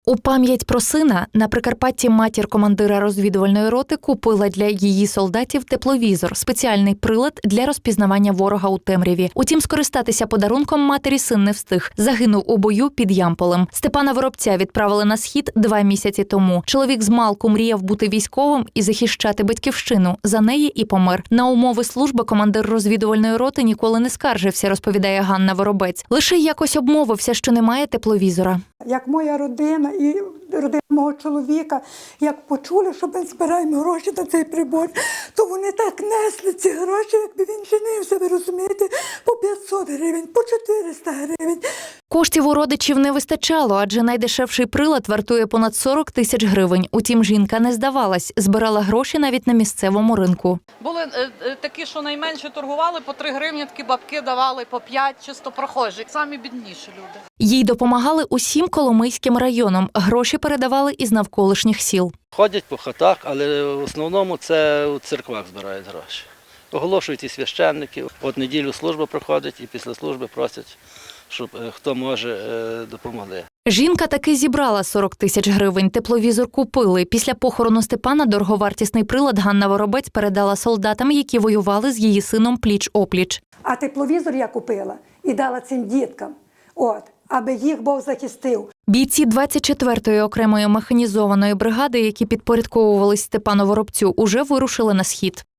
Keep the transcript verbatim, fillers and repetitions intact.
У пам'ять про сина на Прикарпатті матір командира розвідувальної роти купила для її солдатів тепловізор – спеціальний прилад для розпізнавання ворога у темряві. Утім, скористатися подарунком матері син не встиг. Загинув у бою під Ямполем. Степана Воробця відправили на схід два місяці тому. Чоловік змалку мріяв бути військовим і захищати батьківщину. За неї і помер. На умови служби командир розвідувальної роти ніколи не скаржився, розповідає Ганна Воробець. Лише якось обмовився, що немає тепловізора. Як моя родина і родина мого чоловіка, як почули, що ми збираємо гроші на цей прибор, то вони так несли ці гроші, якби він женився, ви розумієте, по п'ятсот гривень, по чотириста гривень. Коштів у родичів не вистачало, адже найдешевший прилад вартує понад сорок тисяч гривень. Утім, жінка не здавалась, збирала гроші навіть на місцевому ринку. Були е, е, такі, що найменше торгували, по три гривні, такі бабки давали, по п'ять, чисто прохожі. Самі бідніші люди. Їй допомагали усім Коломийським районам. Гроші передавали із навколишніх сіл. Ходять по хатах, але в основному це у церквах збирають гроші. Оголошують і священників. От неділю служба проходить і після служби просять, щоб хто може, допомогли. Жінка таки зібрала сорок тисяч гривень. Тепловізор купили. Після похорону Степана дороговартісний прилад Ганна Воробець передала солдатам, які воювали з її сином пліч-опліч. А тепловізор я купила і дала цим діткам, от, аби їх Бог захистив. Бійці двадцять четвертої окремої механізованої бригади, які підпорядковувались Степану Воробцю, уже вирушили на схід.